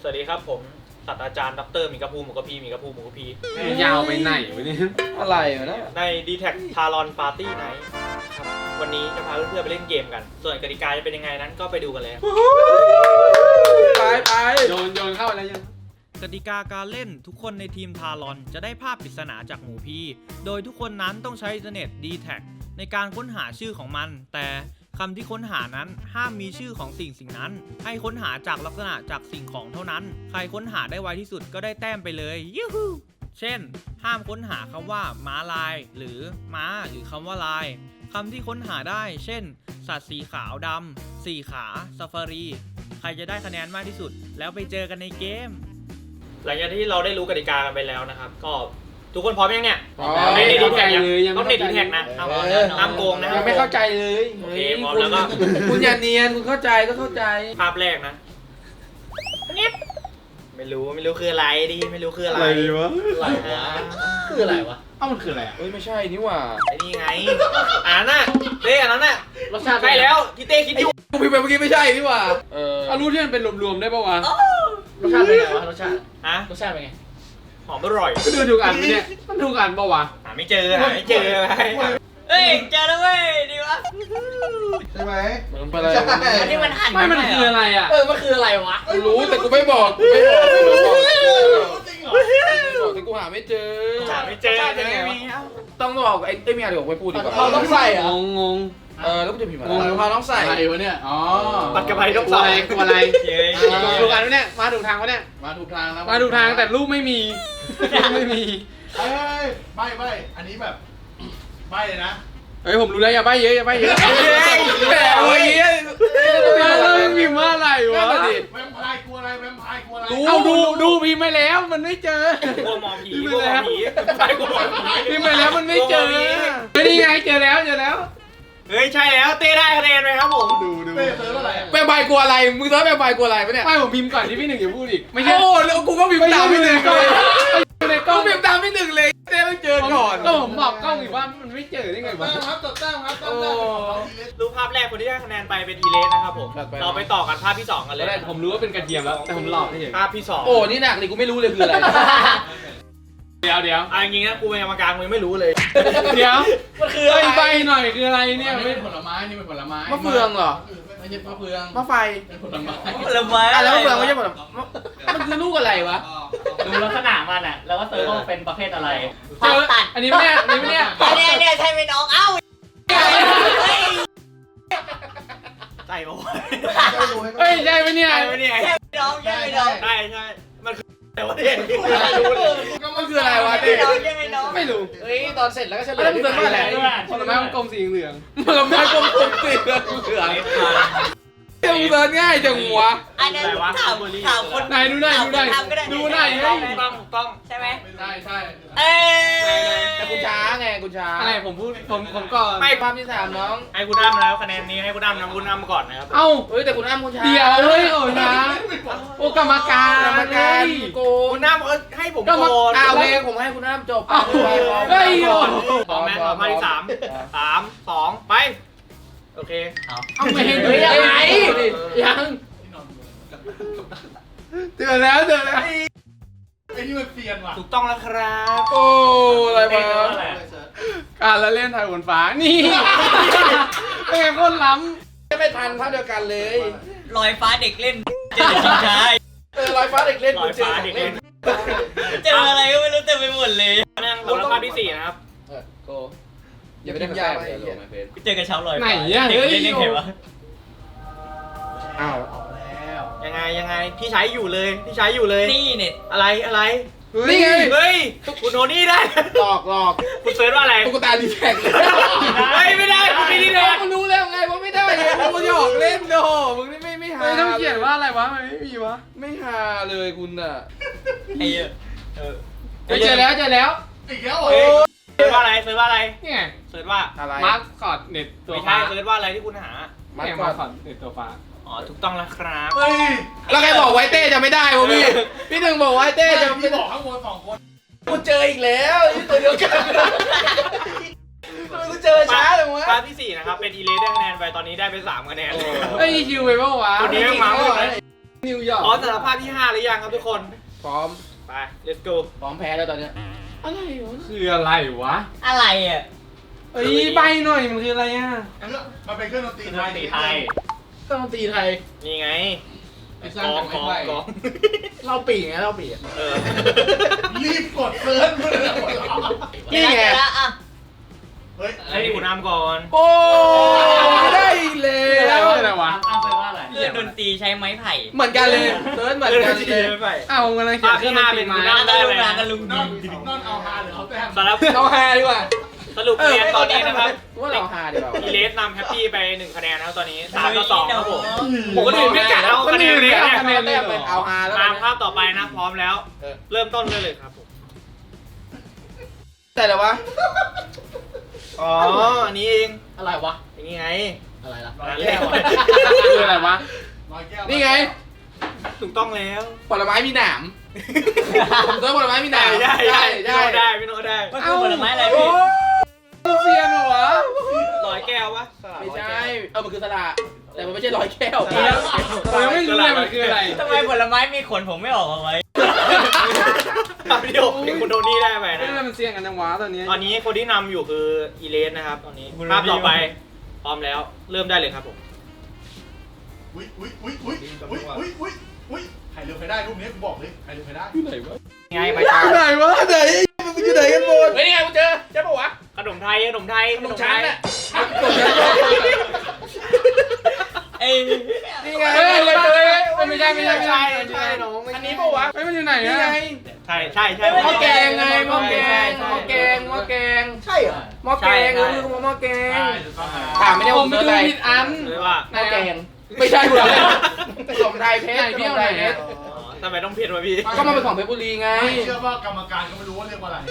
วัสดีครับผมศาสตราจารย์ดรมีกระพูหมูกระพีมีกระพูหมูกระพียาวไปไหนวะเนี่ยอะไรวะนะใน D-Tag Talon Party Night ครับวันนี้จะพาเพื่อนๆไปเล่นเกมกัน ส่วนกติกาจะเป็นยังไงนั้นก็ไปดูกันเลยไปโยนเข้าอะไรยังกติกาการเล่นทุกคนในทีมทารอนจะได้ภาพปริศนาจากหมูพีโดยทุกคนนั้นต้องใช้อินเทอร์เน็ต D-Tag ในการค้นหาชื่อของมันแต่คำที่ค้นหานั้นห้ามมีชื่อของสิ่งนั้นให้ค้นหาจากลักษณะจากสิ่งของเท่านั้นใครค้นหาได้ไวที่สุดก็ได้แต้มไปเลยยูฮูเช่นห้ามค้นหาคำว่าม้าลายหรือม้าหรือคำว่าลายคำที่ค้นหาได้เช่นสัตว์สีขาวดำสี่ขาซาฟารีใครจะได้คะแนนมากที่สุดแล้วไปเจอกันในเกมหลังจากที่เราได้รู้กติกากันไปแล้วนะครับก็ทุกคนพร้อมยังเนี่ยไม่ได้ดีแท็กต้องเน็ตดีแท็กนะห้ามโกงนะยังไม่เข้าใจเลยโอเคพร้อมแล้วก็คุณอย่าเนียนคุณเข้าใจก็เข้าใจภาพแรกนะไม่รู้คืออะไรดิไม่รู้คืออะไรวะคืออะไรวะเอ้ามันคืออะไรอ่ะเฮ้ยไม่ใช่นี่หว่าไอ้นี่ไงอ่านน่ะเต้อันนั้นน่ะรสชาติใช่แล้วที่เต้คิดอยู่กูพิมพ์ไปเมื่อกี้ไม่ใช่นี่หว่าเอารู้ที่มันเป็นรวมๆได้ป่าวะรสชาติเป็นไงวะรสชาติฮะรสชาติเป็นไงหอมอร่อยก็ดูถูกอันไหมเนี่ยมันถูกอันป่าวะหาไม่เจอเฮ้ยเจอแล้วเว้ยดีวะใช่ไหมมันไปเลยอันนี้มันหั่นไม่มันคืออะไรอ่ะมันคืออะไรวะกูรู้แต่กูไม่บอกแต่กูหาไม่เจอหาไม่เจอไม่มีต้องบอกไอ้เมียเดี๋ยวไปพูดดีกว่าเราต้องใส่เหรองงแล้วกูจะพิมพ์อะไรเราต้องใส่อะไรวะเนี่ยอ๋อปัดกระไพต้องกลัวอะไรกลัวอะไรเย้ถูกอันไหมเนี่ยมาถูกทางปะเนี่ยมาถูกทางแล้วมาถูกทางแต่รูปไม่มีไม่มีเฮ้ยไม่อันนี้แบบไม่เลยนะเฮ้ยผมรู้แล้วอย่าใบ้เยอะอย่าใบ้เยอะแหมเมื่อกี้แล้วมันพิมพ์ว่าอะไรวะแวมไพร์กลัวอะไรแวมไพร์กลัวอะไรเอาดูพิมพ์ไปแล้วมันไม่เจอกลัวหมอผีกลัวหมอผีใช่กลัวหมอผีพิมพ์ไปแล้วมันไม่เจอไม่นี่ไงเจอแล้วเฮ้ยใช่แล้วเต้ได้คะแนนไหมครับผมดูเต้เซิร์ฟอะไรแปลใบกลัวอะไรมึงเซิร์ชแปลใบกลัวอะไรปะเนี่ยไม่ผมพิมพ์ก่อนที่พี่หนึ่งอย่าพูดอีกไม่ใช่โอ้แล้วกูก็พิมพ์ตามพี่หนึ่งเลยในกล้กูองพิมพ์ตามพี่หนึ่งเลยเต้ต้องเจอก่อนก็ผมบอกกล้องอีกว่ามันไม่เจอได้ไงวะครับจดแต้มครับจดแต้มรูปภาพแรกคนที่ได้คะแนนไปเป็นทีเลสนะครับผมเราไปต่อกันภาพที่2กันเลยผมรู้ว่าเป็นกระเทียมแล้วแต่ผมหลอกให้เฉยภาพที่2 โอ้นี่หนักเลยกูไม่รู้เลยคืออะไรเดี๋ยวจริงๆนะกูเป็นกรรมการกูยังไม่รู้เลยมันคืออะไรใบหน่อยคืออะไรเนี่ยไม่เป็นผลไม้นี่เป็นผลไม้มะเฟืองเหรอไม่ใช่มะเฟืองมะไฟเป็นผลไม้ผลไม้แล้วมะเฟืองไม่ใช่ผลไม้มันคือลูกอะไรวะดูลักษณะมันอ่ะแล้วก็เซิร์ชว่าเป็นประเภทอะไรเจออันนี้ไม่เนี่ยเนี่ยใช่ไหมน้องเอ้าใช่ปะเฮ้ยใช่ไหมเนี่ยใช่ไหมเนี่ยใช่น้องใช่ไหมน้องใช่มันคือแต่ว่าเนี่ยมันคืออะไรวะใช่เต้น้องใช่ไหมน้องไม่รู้เฮ้ยตอนเสร็จแล้วก็เฉลยแล้วมึงเซิร์ชว่าอะไรผลไม้กลมสีเหลืองผลไม้กลมๆสีเหลืองมึงเซิร์ชง่ายจังวะอันนั้นถามคนไหนดูหน่อยดูหน่อยต้องใช่ไหมใช่เอ้ยแต่กูช้าไงกูช้าอะไรผมพูดผมก่อนไม่ภาพที่3น้องให้คุณอ้ำแล้วคะแนนนี้ให้คุณอ้ำนำคุณอ้ำก่อนนะครับเอ้าเฮ้ยแต่คุณอ้ำคุณช้าเดี๋ยวเฮ้ยโอ้นะโอ้กรรมการกรรมการโกงคุณอ้ำให้ผมก็มาก่อนโอเคผมให้คุณอ้ำจบเฮ้ยโอ้พร้อมไหมพร้อมภาพที่3 2 ไปโอเคเอาไม่เห็นเฮ้ยยังไงยังเจอแล้วไอ้นี่มันเซียนว่ะถูกต้องแล้วครับโอ้อะไรมาการละเล่นไทยบนฟ้านี่เป็นไงคนล้ไม่ทันภาพเดียวกันเลยลอยฟ้าเด็กเล่นเจอชิงช้าลอยฟ้าเด็กเล่นลอยฟ้าเด็กเล่นเจออะไรก็ไม่รู้เต็มไปหมดเลยนั่งแล้วภาพที่4นะครับโกอย่าไปได้ยาไปเลยเจอกับเช้าลอยำไหนอ่ะเด็กเฮ้ยเล่นยังไงวะอ้าวยังไงพี่ใช้อยู่เลยนี่เน็ตอะไรนี่ไงเฮ้ยคุณโทนี่ได้หลอกคุณเซิร์ชว่าอะไรตุ๊กตาดีแท็กเฮ้ยไม่ได้คุณไม่ได้มึงรู้แล้วไงว่าไม่ได้ไงมึงหยอกเล่นโดมึงนี่ไม่หาเฮ้ยต้องเขียนว่าอะไรวะมันไม่มีวะไม่หาเลยคุณอ่ะไอ้เหี้ยเจอแล้วอีกแล้วเหรอเซิร์ชว่าอะไรนี่ไงเซิร์ชว่าอะไรมาร์คคอร์ดเน็ตตัวไม่ฟ้าใช่เซิร์ชว่าอะไรที่คุณหามาเนี่ยก่มาอร์คคอร์ดเน็ตตัวฟ้าอ๋อถูกต้องแล้วครับเฮ้ยแล้วใครบอกไว้เต้จะไม่ได้วะพี่หนึ่งบอกไว้เต้จะไม่พี่บได้อกข้างบน2 คนกูเจออีกแล้วนี่ตัวเดียวกันกูเจอช้าเลยวะภาพที่4นะครับเป็นอีเลสได้คะแนนไปตอนนี้ได้ไป3คะแนนเฮ้ยคิวไปเปล่าวะคนนี้แม่งมาหมดเลยนิวยอร์กพร้อมสำหรับภาคที่ 5 หรือยังครับทุกคนพร้อมไป let's go พร้อมแพ้แล้วตอนเนี้ยอะไรวะคืออะไรวะอะไรอ่ะเอ้ยใบหน่อยมันคืออะไรอ่ะมันเป็นเครื่องดนตรีไทยเครื่องดนตรีไทยนี่ไงไอ้สร้างจากไม้ไผ่กองเราปีไงเราปีเออรีบกดเซิร์ชมาเลยหมดแล้วนี่ไงเดี๋ยวนะอ่ะเฮ้ยให้คุณน้ำก่อนโอ้ได้เลยอะไรวะเอาไปว่าอะไรเครื่องดนตรีใช้ไม้ไผ่เหมือนกันเลยเซิร์ชเหมือนกันเลยไปเอ้ากำลังเขียภาน คเครื่ที่องดน 5 ตรีเป็นไม้คุณน้ำได้เลยกันลุงนอนเอาฮาหรือเอาแต้มสำหรับเราแฮดีกว่าสรุปคะแนนตอนนี้นะครับว่าเราฮาดีกว่าอีเลสนำแฮปปี้ไป1 คะแนนแล้วตอนนี้3-2ครับผมผมก็ดื่มไม่กะเอาคะแนนเลยคะแนนแต้มเป็นเอาฮาแล้วตามภาพต่อไปนะพร้อมแล้ว เริ่มต้นเลยครับผมแต่ละวะอ๋ออันนี้เองอะไรวะอย่างนี้ไงอะไรล่ะร้อยแก้วคืออะไรวะร้อยแก้วนี่ไงถูกต้องแล้วผลไม้มีหนามผมตัวผลไม้มีหนามได้พี่โน้ตได้มันคือผลไม้อะไรพี่เซียนเหรอวะร้อยแก้ววะไม่ใช่ มันคือสละแต่มันไม่ใช่ร้อยแก้วผมยังไม่รู้เลยมันคืออะไรทำไมผลไม้มีขนผมไม่ออกเอาไว้วิดีโอเพลงคุณโทนี่ได้ไปนี่นะมันเสี่ยงกันจังวะตอนนี้ตอนนี้คนที่นำอยู่คืออีเลสนะครับตอนนี้ภาพต่อไปพร้อมแล้วเริ่มได้เลยครับผมอุ้ยใครเร็วใครได้รูปนี้กูบอกเลยใครเร็วใครได้ไหนวะไงไปอตามยู่ไหนวะไหนมันอยู่ไหนกันหมดเฮ้ยนี่ไงกูเจอปะวะขนมไทยขนมไทยขนมชั้นน่ะเอ้ยนี่ไงเฮ้ยไม่ใช่น้องอันนี้ปะวะเฮ้ยมันอยู่ไหนนี่อะไงใช่หม้อแกงไงหม้อแกงใช่เหรอหม้อแกงก็คือหม้อแกงใช่ถูกต้องถามไม่ได้ผผม มไปเจอดูอะไรผิดอันเลยว่าหม้อแกงไม่ใช่คุณขนมไทยเพชรขนมไทยเพชรทำไมต้องผิดวะพี่ก็มาเป็นของเพชรบุรีไงไม่เชื่อว่ากรรมการก็ไม่รู้ว่าเรียกว่าอะไร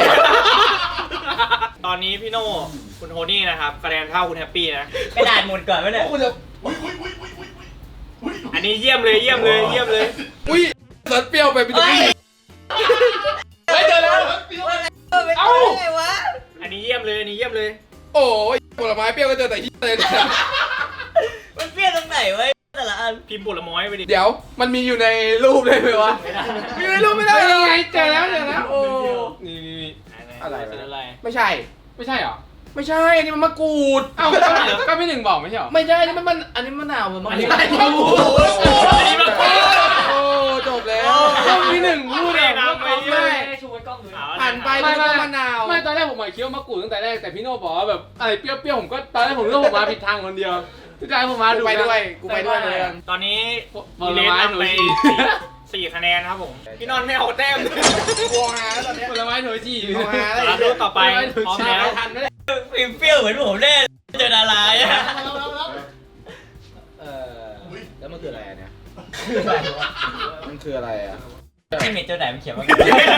ตอนนี้พี่โน่คุณโทนี่นะครับคะแนนเท่าคุณแฮปปี้นะกระดาษหมดก่อนไหมเนี่ยคุณจะอุ้ยอันนี้เยี่ยมเลยอุ้ยเสิร์ชเปรี้ยวไปเป็นตัวนี้ไม่เจอแล้วเอ้าไงวะอันนี้เยี่ยมเลยโอ้ยผลไม้เปรี้ยวก็เจอแต่ที่เลยมันเปรี้ยวตรงไหนวะแต่ละอันพิมพ์ผลไม้ไปดิเดี๋ยวมันมีอยู่ในรูปได้ไหมวะมีอยู่ในรูปไม่ได้ยังไงเจอแล้วโอ้นี่อะไรเป็นอะไรไม่ใช่ไม่ใช่เหรอไม่ใช่นี่มันมะกรูดเอ้าก็พี่หนึ่งบอกไม่ใช่เหรอไม่ใช่นี่มันอันนี้มะนาวมันมะกรูดอันนี้มะกรูดโอ้จบแล้วพี่หนึ่งพูดไม่เองนำไปไม่ได้ชูไว้กล้องดูผ่านไปแล้วก็มะนาวไม่ตอนแรกผมหมายคิดว่ามะกรูดตั้งแต่แรกแต่พี่โน่บอกว่าแบบอะไรเปรี้ยวๆผมก็ตอนแรกผมนึกว่าผมมาผิดทางคนเดียวที่ใจผมมาดูกูไปด้วยเลยตอนนี้ผอีลเลสไม้นำไปสี่คะแนนครับผม พี่นอนไม่เอาแต้มวงหาแล้วตอนนี้ผลไม้โถจีรับรูปต่อไปพร้อมแล้วทันไหมเนี่ยเปรี้ยวเหมือนผมแน่เจอดาราอ่ะแล้วมันคืออะไรเนี่ยมันคืออะไรอ่ะที่เมจเจอไหนมันเขียนว่า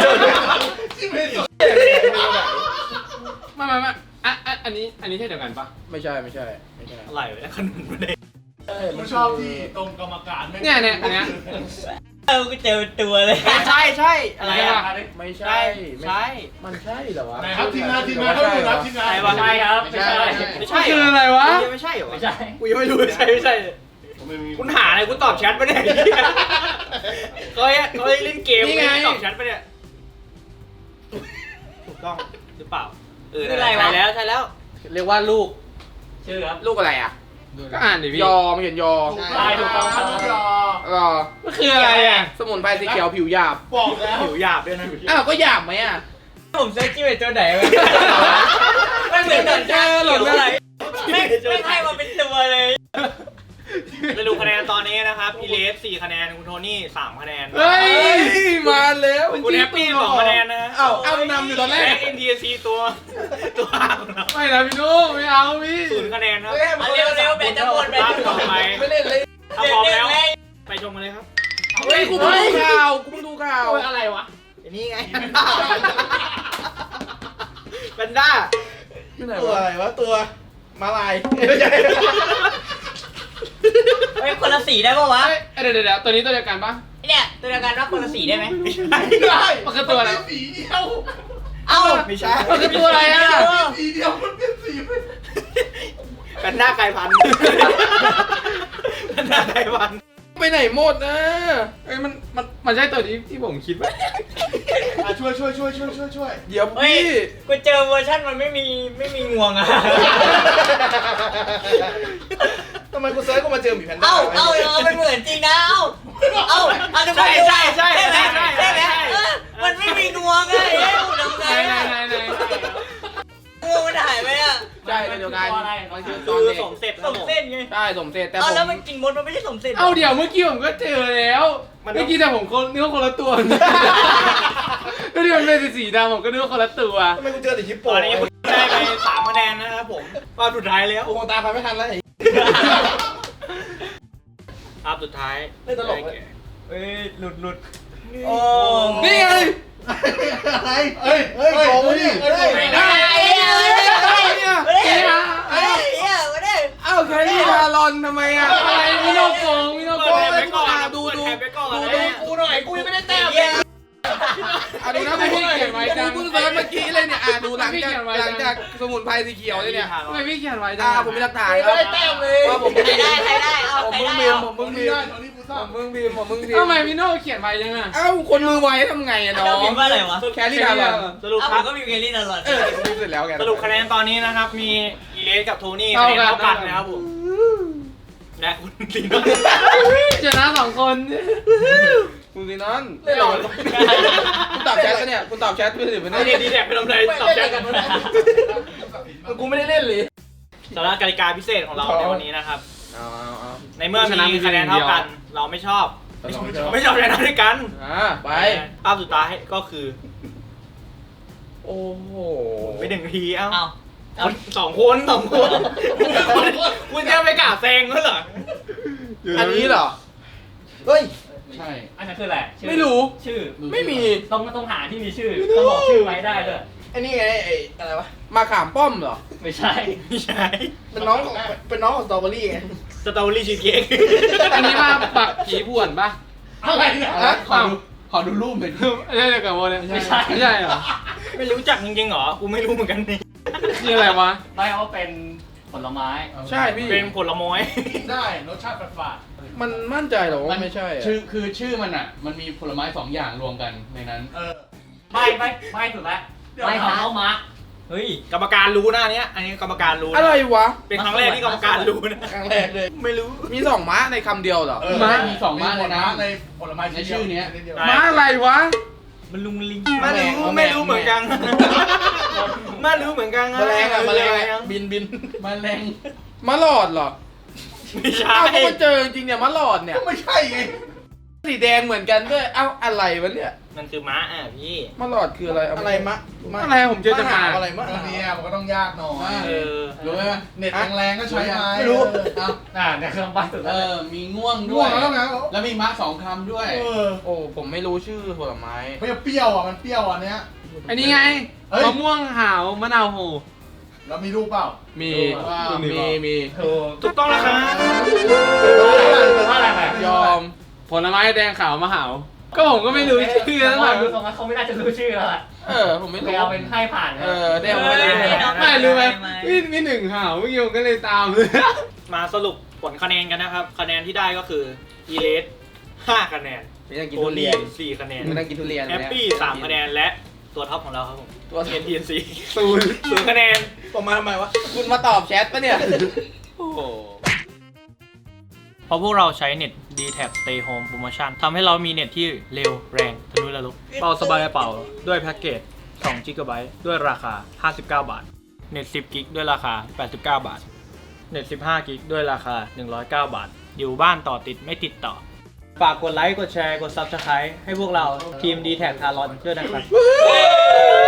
ไม่อันนี้ใช่เดียวกันปะไม่ใช่อะไรวะขนมไม่ได้กูชอบที่ตรงกรรมการไม่เนี่ยอันเนี้ยก็เจอเป็นตัวเลยใช่อะไรอ่ะไม่ใช่ มันใช่เหรอวะไหนครับทีมงานเขาดูนะทีมงานใช่ปะใช่ครับไม่ใช่ไม่ใช่คืออะไรวะไม่ใช่เหรอไม่ใช่กูยังไม่รู้ไม่ใช่คุณหาอะไรคุณตอบแชทปะเนี่ยเขาเล่นเกมตอบแชทปะเนี่ยถูกต้องหรือเปล่าใช่แล้วเรียกว่าลูกชื่อครับลูกอะไรอ่ะก็อ่านดิพี่ยอมันเขียนยอใช่ถูกต้องครับรอมันคืออะไรอ่ะสมุนไพรสีเขียวผิวหยาบบอกแล้วผิวหยาบด้วยนะอ้าวก็หยาบไหมอ่ะผมเซิร์ชชื่อเป็นตัวไหนวะไม่เหมือนหนอนจ้าหล่นอะไรไม่ให้มาเป็นตัวเลยจะดูคะแนนตอนนี้นะครับอีเลส4 คะแนนคุณโทนี่3 คะแนนเฮ้ย มาแล้วคุณแฮปปี้2 คะแนนนะเอานำอยู่ตอนแรกเอ็นดีซีตัวของเราไม่นะพี่โน่ไม่เอาพี่ 0 คะแนนครับเร็วๆแบตจะหมดแบตภาพจะหมต่อดไปไม่เล่นเลยถ้าพร้อมแล้วไปชมกันเลยครับเฮ้ยกูเพิ่งดูข่าวกูเพิ่งดูข่าวอะไรวะนี่ไงแพนด้าตัวอะไรวะตัวมาลายเฮ้ยคนละสีได้ปะวะเดี๋ยวตัวนี้ตัวเดียวกันปะเนี่ยตัวเดียวกันว่าคนละสีได้ไหมไม่ได้มันคือตัวอะไรสีเดียวเอ้าไม่ใช่มันคือตัวอะไรอ่ะสีเดียวมันเป็นสีไม่แพนด้าไก่พันธุ์แพนด้าไก่พันธุ์ไปไหนหมดนะเอ้ยมันใช่ตัวที่ผมคิดไหมช่วยเดี๋ยวเฮ้ยพี่กูเจอเวอร์ชันมันไม่มีงวงอ่ะทำไมกูเซิร์ชกูมาเจอหมีแพนด้าเอามันเหมือนจริงนะเอาทุกคนใช่ใช่ไหมมันไม่มีงวงไงทำไงไหนงวงมันหายไปอ่ะใช่เดียวกันมันคือตคือนอเด็กสมเสร็จสมเส้นไงใช่สมเสร็จแต่ผเอาแล้วมมันกินมดมันไม่ใช่สมเส้นเอาเดี๋ยวเมื่อกี้ผมก็เจอแล้วเมื่อกี้แต่ผมนึกว่าคนละตัวแล้วที่มันเป็นสีดำผมก็นึกว่าคนละตัวทำไมกูเจอแต่ฮิปโปตอนนี้ได้ไป3คะแนนนะครับผมรอบสุดท้ายแล้วกูคงตามใครไม่ทันแล้วไอ้รอบสุดท้ายไม่ตลกเลยเอ้ยหลุดโอ้นี่ไงอะไรโกงดิไม่ได้เอ้าแครี่ทารอนทำไมอ่ะอะไรมิโนโกงไปก่อนดูไปก่อนกูหน่อยกูยังไม่ได้แต้มดูนะพี่เขียนไว้จังกูเซิร์ชเมื่อกี้เลยเนี่ยดูหลังจากสมุนไพรสีเขียวเลยเนี่ยทำไมพี่เขียนไว้จังผมมีหลักฐานครับว่าผมใครได้เอาผมใครมึงได้บีมผมมึงบีมตอนนี้กูทราบผมมึงบีมทำไมมิโนเขียนไว้จังอ่ะเอ้าคนมือไวทำไงอ่ะน้อเรางพิมพ์ว่าอะไรวะแครี่ทารอนสรุปเอาคผรับมก็มีเกลลี่ตลอดรีบเสร็จแล้วแกสรุปคะแนนตอนนี้นะครับมีอีเลสกับโทนี่คะแนนเท่ากันนะครับผมและคุณลีนชนะ2 คนคุณซีนอนคุณตอบแชทปะเนี่ยคุณตอบแชทไปหรือเปล่าไม่ได้ดีแท็กไปทำไรตอบแชทกันกูไม่ได้เล่นเลยสำหรับกติกาพิเศษของเราในวันนี้นะครับเอาในเมื่อมีคะแนนเท่ากัน เราไม่ชอบชนะด้วยกันไปภาพสุดท้ายก็คือโอ้โหไป1 นาทีเอ้าเอาสองคนคุณจะไปกล่าวแซงเขาเหรออันนี้เหรอเฮ้ยใช่อันนั้นคืออะไรไม่รู้ชื่อไม่มีต้องหาที่มีชื่อต้องบอกชื่อไว้ได้ด้วยไอ้นี่ไงไอ้อะไรวะมาขามป้อมเหรอไม่ใช่ไม่ใช่เป็นน้องของสตรอเบอรี่ไงสตรอเบอรี่ชีสเค้กอันนี้มาปักผีผ่วนปะอะไรเนี่ยขอดูรูปหน่อยไม่ใช่เดียวกับโมเนี่ยไม่ใช่ไม่ใช่เหรอไม่รู้จักจริงๆเหรอ กูไม่รู้เหมือนกันนี่นี่อะไรวะไม่เอาเป็นผลไม้ใช่พี่เป็นผลไม้ได้รสชาติฝาดมันมั่นใจเหรอว่าไม่ใช่อะคือชื่อมันอ่ะ มันมีผลไม้2 อย่างรวมกันในนั้นไม่สุดแล้วไม่เท้ามาเฮ้ยกรรมการรู้นะอันเนี้ย อันนี้กรรมการรู้นะอะไรวะเป็นครั้งแรกที่กรรมการรู้นะครั้งแรกเลยไม่รู้มี2 ม้าในคำเดียวเหรอมีสองม้าเลยนะในผลไม้ในชื่อเนี้ยม้าอะไรวะมันลุงลิงไม่รู้เหมือนกันไม่รู้เหมือนกันแมลงอะแมลงอะบินมันแรงม้าหลอดเหรอไม่ใช่อ้าวก็มาเจอจริงๆเนี่ยม้าหลอดเนี่ยก็ไม่ใช่ไงสีแดงเหมือนกันด้วย เอ้าอะไรวะเนี่ยมันคือม้าอ่ะพี่ม้าหลอดคืออะไรเาอะไรมะอะไรผมเจอจะมาอะไรมะเนี่ยมันก็ต้องยากหน่อยเออรู้ไหมเน็ตแรงๆก็ใช้ไม้ไม่รู้เนี่ยเครื่องปั้นสุดเอแล้วอ มีง่วงด้ง่ววงยแล้วนะแล้วมีม้า2 คำด้วยโอ้ผมไม่รู้ชื่อผลไม้เปรี้ยวอ่ะมันเปรี้ยวอันเนี้ยอันนี้ไงเฮ้ยมะม่วงหาวมะนาวโหแล้วมีรูปเปล่ามี มีถูกต้องแล้วครับว่าอะไรไปยอม ผลไม้แดงขาวมะหาว ก็ผมก็ไม่รู้ชื่อแล้แล้ว วแบแบบ บตรงนั้นเขาไม่น่าจะรู้ชื่อแล้วแหละผมไม่ไปรู้เอาเป็นให้ผ่านแดงไม่ได้ไม่รู้ไหมมี1 หาวเมื่อกี้ผมก็เลยตามเลยมาสรุปผลคะแนนกันนะครับ คะแนนที่ได้ก็คืออีเลส5 คะแนนไม่ต้องกินโททุเรีนี่ยน 4 คะแนนไม่ต้องกินทุเรียนแฮปปี้3 คะแนนและตัวท็อปของเราครับผมตัวท็อป TNC 0 0 คะแนนประมาณทำไมวะคุณมาตอบแชทปะเนี่ย โอ้โหเพราะพวกเราใช้เน็ต D-Tab Stay Home Promotion ทำให้เรามีเน็ตที่เร็วแรงทะลุระลุเบาสบายกระเป๋าด้วยแพ็กเกจ2 GB ด้วยราคา 59 บาท เน็ต 10 กิกด้วยราคา 89 บาท เน็ต 15 กิกด้วยราคา 109 บาท อยู่บ้านต่อติดไม่ติดต่อ ฝากกดไลค์ กดแชร์ กด Subscribe ให้พวกเราทีม D-Tab Talon ด้วยนะครับ